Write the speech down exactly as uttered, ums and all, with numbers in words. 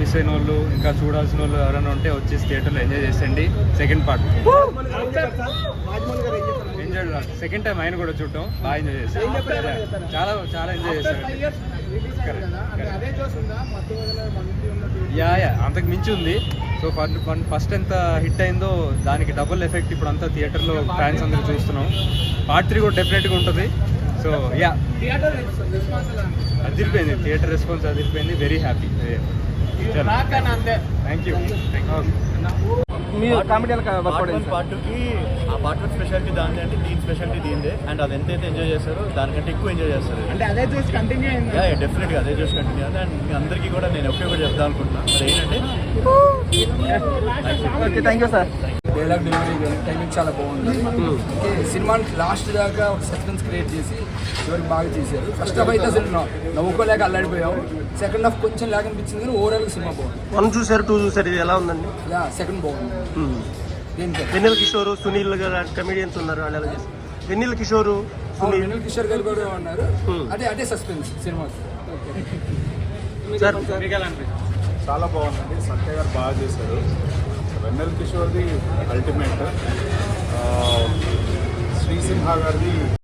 Miss అయిన వాళ్ళు ఇంకా చూడాల్సిన వాళ్ళు ఎవరైనా ఉంటే వచ్చేసి థియేటర్లో ఎంజాయ్ చేసేయండి. Second part enjoy, second time ఆయన కూడా చూడటం బాగా ఎంజాయ్ చేశారు. చాలా చాలా ఎంజాయ్ చేశారు. యా యా అంతకు మించి ఉంది. సో ఫస్ట్ ఎంత హిట్ అయిందో దానికి డబుల్ ఎఫెక్ట్ ఇప్పుడు అంతా థియేటర్లో ఫ్యాన్స్ అందరూ చూస్తున్నాం. పార్ట్ త్రీ కూడా డెఫినెట్గా ఉంటుంది. సో యా అదిరిపోయింది, థియేటర్ రెస్పాన్స్ అదిరిపోయింది. Very happy. Thank you. Part టూకి ఆ పార్ట్ వన్ స్పెషాలిటీ దాని అంటే దీని స్పెషాలిటీ దీనిదే. అండ్ అది ఎంతైతే ఎంజాయ్ చేస్తారో దానికంటే ఎక్కువ ఎంజాయ్ చేస్తారు. అంటే అదే చూసి కంటిన్యూ అయింది. డెఫినెట్గా అదే చూసి కంటిన్యూ అయింది. అండ్ మీ అందరికీ కూడా నేను ఒకే ఒకటి చెప్దాం అనుకుంటున్నాను. అది ఏంటంటే thank you sir. Dialogue delivery timing చాలా బాగుంది. ఓకే, సినిమాని లాస్ట్ దాకా ఒక సస్పెన్స్ క్రియేట్ చేసి ఎవరికి బాగా చేశారు. ఫస్ట్ హాఫ్ అయితే అసలు నవ్వుకోలేక అల్లాడిపోయాం. సెకండ్ హాఫ్ కొంచెం లాగ్ అనిపించింది కానీ ఓవరాల్ సినిమా బాగుంది. వన్ చూసారు, టూ చూసారు, ఇది ఎలా ఉందండి? యా సెకండ్ బాగుంది. వెన్నెల కిషోర్, సునీల్ గారు కమెడియన్స్ ఉన్నారు. వాళ్ళు ఎలా చేస్తారు? వెన్నెల కిషోర్, సునీల్, వెన్నెల కిషోర్ గారు కూడా ఉన్నారు. అదే అదే సస్పెన్స్ సినిమాకి. చాలా బాగుందండి. సత్య గారు బాగా చేశారు. వెన్నెల కిషోర్ది అల్టిమేట్, శ్రీసింహ గారిది